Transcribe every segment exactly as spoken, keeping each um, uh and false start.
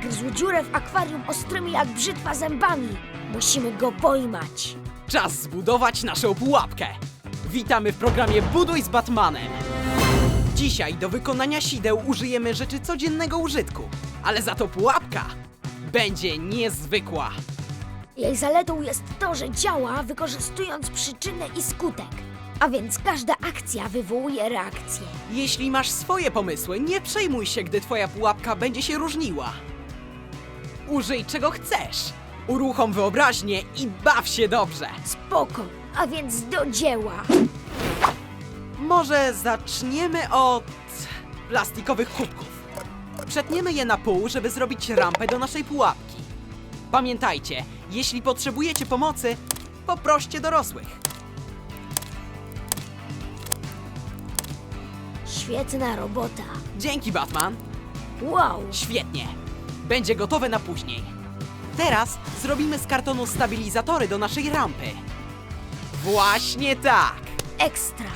zagryzł dziurę w akwarium ostrymi jak brzytwa zębami. Musimy go pojmać. Czas zbudować naszą pułapkę. Witamy w programie Buduj z Batmanem. Dzisiaj do wykonania sideł użyjemy rzeczy codziennego użytku, ale za to pułapka będzie niezwykła. Jej zaletą jest to, że działa wykorzystując przyczynę i skutek. A więc każda akcja wywołuje reakcję. Jeśli masz swoje pomysły, nie przejmuj się, gdy twoja pułapka będzie się różniła. Użyj czego chcesz. Uruchom wyobraźnię i baw się dobrze. Spoko, a więc do dzieła. Może zaczniemy od plastikowych kubków. Przetniemy je na pół, żeby zrobić rampę do naszej pułapki. Pamiętajcie, jeśli potrzebujecie pomocy, poproście dorosłych. Świetna robota. Dzięki, Batman. Wow, Świetnie. Będzie gotowe na później. Teraz zrobimy z kartonu stabilizatory do naszej rampy. Właśnie tak. ekstra.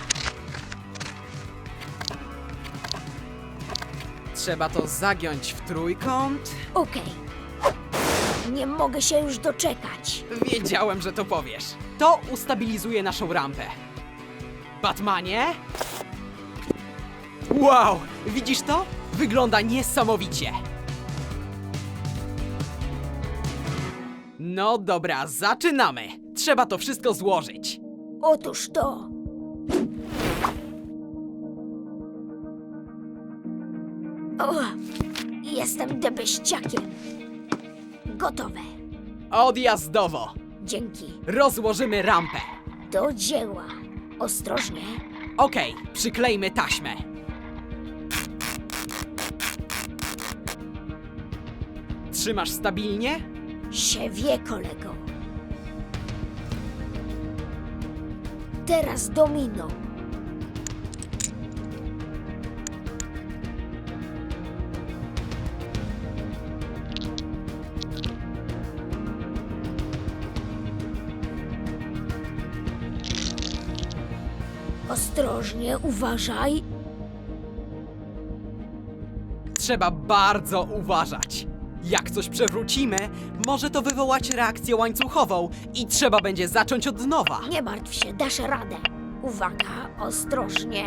Trzeba to zagiąć w trójkąt. Okej. Nie mogę się już doczekać. Wiedziałem, że to powiesz. To ustabilizuje naszą rampę. Batmanie? Wow! Widzisz to? Wygląda niesamowicie. No dobra, zaczynamy. Trzeba to wszystko złożyć. Otóż to. O, jestem debeściakiem. Gotowe. Odjazdowo. Dzięki. Rozłożymy rampę. Do dzieła. Ostrożnie. Okej, przyklejmy taśmę. Trzymasz stabilnie? Się wie, kolego. Teraz domino. Ostrożnie, uważaj. Trzeba bardzo uważać. Jak coś przewrócimy, może to wywołać reakcję łańcuchową i trzeba będzie zacząć od nowa. Nie martw się, dasz radę. Uwaga, ostrożnie.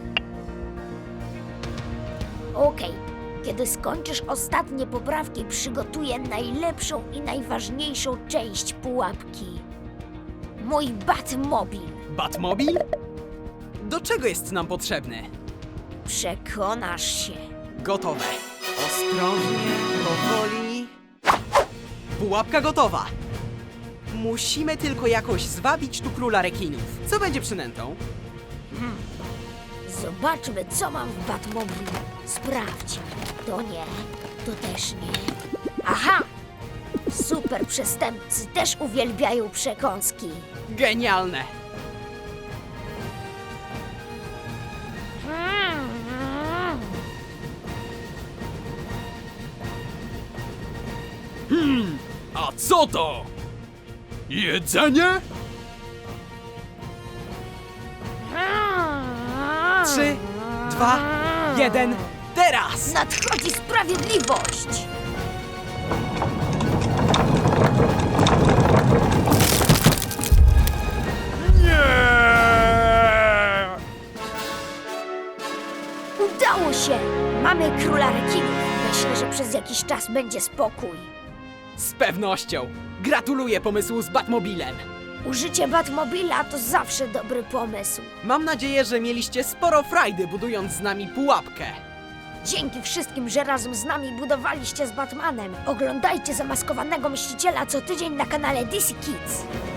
Okej, kiedy skończysz ostatnie poprawki, przygotuję najlepszą i najważniejszą część pułapki. Mój Batmobil. Batmobil? Do czego jest nam potrzebny? Przekonasz się. Gotowe. Ostrożnie, powoli. Pułapka gotowa. Musimy tylko jakoś zwabić tu króla rekinów. Co będzie przynętą? Zobaczmy, co mam w Batmobilu. Sprawdź. To nie, to też nie. Aha! Super przestępcy też uwielbiają przekąski. Genialne. A co to? Jedzenie? Trzy, dwa, jeden, teraz! Nadchodzi sprawiedliwość! Nie! Udało się! Mamy króla rekinów. Myślę, że przez jakiś czas będzie spokój. Z pewnością. Gratuluję pomysłu z Batmobilem. Użycie Batmobila to zawsze dobry pomysł. Mam nadzieję, że mieliście sporo frajdy budując z nami pułapkę. Dzięki wszystkim, że razem z nami budowaliście z Batmanem. Oglądajcie Zamaskowanego Mściciela co tydzień na kanale D C Kids.